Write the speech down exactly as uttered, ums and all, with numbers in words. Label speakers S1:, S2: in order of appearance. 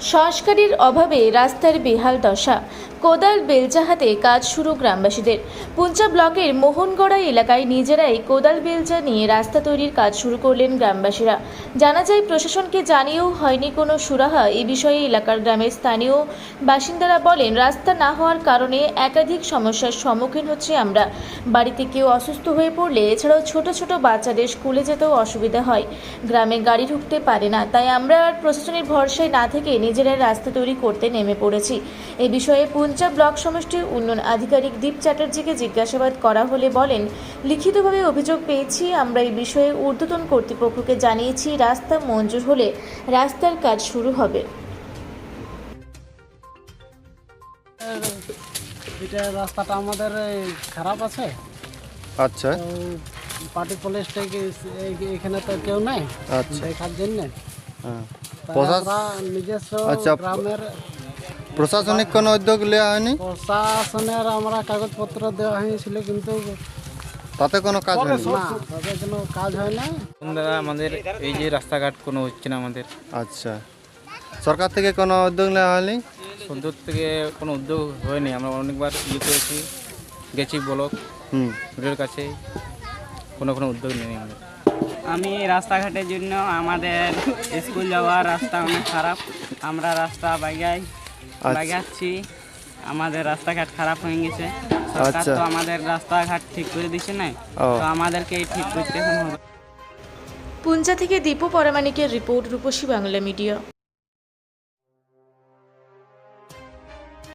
S1: সংস্কারের অভাবে রাস্তার বেহাল দশা, কোদাল বেলচা হাতে কাজ শুরু গ্রামবাসীদের। পুঞ্চা ব্লকের মোহনগড়া এলাকায় নিজেরাই কোদাল বেলচা নিয়ে রাস্তা তৈরির কাজ শুরু করলেন গ্রামবাসীরা। জানা যায়, প্রশাসনকে জানিয়েও হয়নি কোনো সুরাহা। এ বিষয়ে এলাকার গ্রামের স্থানীয় বাসিন্দারা বলেন, রাস্তা না হওয়ার কারণে একাধিক সমস্যার সম্মুখীন হচ্ছে আমরা। বাড়িতে কেউ অসুস্থ হয়ে পড়লে, এছাড়াও ছোট ছোট বাচ্চাদের স্কুলে যেতেও অসুবিধা হয়। গ্রামে গাড়ি ঢুকতে পারে না, তাই আমরা আর প্রশাসনের ভরসায় না থেকে নিজেরাই রাস্তা তৈরি করতে নেমে পড়েছি। এ বিষয়ে পুঞ্চা ব্লক সমষ্টির উন্নয়ন আধিকারিক দীপ চ্যাটার্জিকে জিজ্ঞাসাবাদ করা হলে বলেন, লিখিতভাবে অভিযোগ পেয়েছি, আমরা এই বিষয়ে ঊর্ধ্বতন কর্তৃপক্ষকে জানিয়েছি। রাস্তা মঞ্জুর হলে রাস্তার কাজ শুরু হবে।
S2: এটা রাস্তাটা আমাদের খারাপ আছে।
S3: আচ্ছা,
S2: পার্টি পুলিশ থেকে এখানে তো কেউ নাই
S3: আচ্ছা
S2: দেখার জন্য।
S3: হ্যাঁ।
S2: তাই
S3: প্রশাস-
S2: আমরা নিজস্ব
S3: আচ্ছা,
S2: গ্রামের
S3: প্রশাসনিক কোনো উদ্যোগ নেওয়া হয়নি?
S2: প্রশাসনের আমরা কাগজপত্র দেওয়া হয়েছিল, কিন্তু
S3: তাতে কোনো কাজ হয়নি?
S2: না, তাদের কোনো কাজ হয় না।
S4: দাদা, আমাদের এই যে রাস্তাঘাট কোনো হচ্ছে না আমাদের।
S3: আচ্ছা, সরকার থেকে কোনো উদ্যোগ নেওয়া হয়নি?
S4: সন্ধ্যর থেকে কোনো উদ্যোগ হয়নি। আমরা অনেকবার ইয়ে করেছি, গেছি ব্লক
S3: হুম
S4: রোডের কাছে, কোনো কোনো উদ্যোগ নেই আমাদের।
S5: আমি রাস্তাঘাটের জন্য আমাদের স্কুল যাওয়ার রাস্তা অনেক খারাপ। আমরা রাস্তা বাগাই বাগাচ্ছি, আমাদের রাস্তাঘাট খারাপ হয়ে গেছে। সরকার
S3: আচ্ছা।
S5: তো আমাদের রাস্তাঘাট ঠিক করে দিচ্ছে না,
S3: ও।
S5: তো আমাদেরকে ঠিক করতে হবে।
S1: পুঞ্চা থেকে দীপু পরামানিকের রিপোর্ট, রূপসী বাংলা মিডিয়া।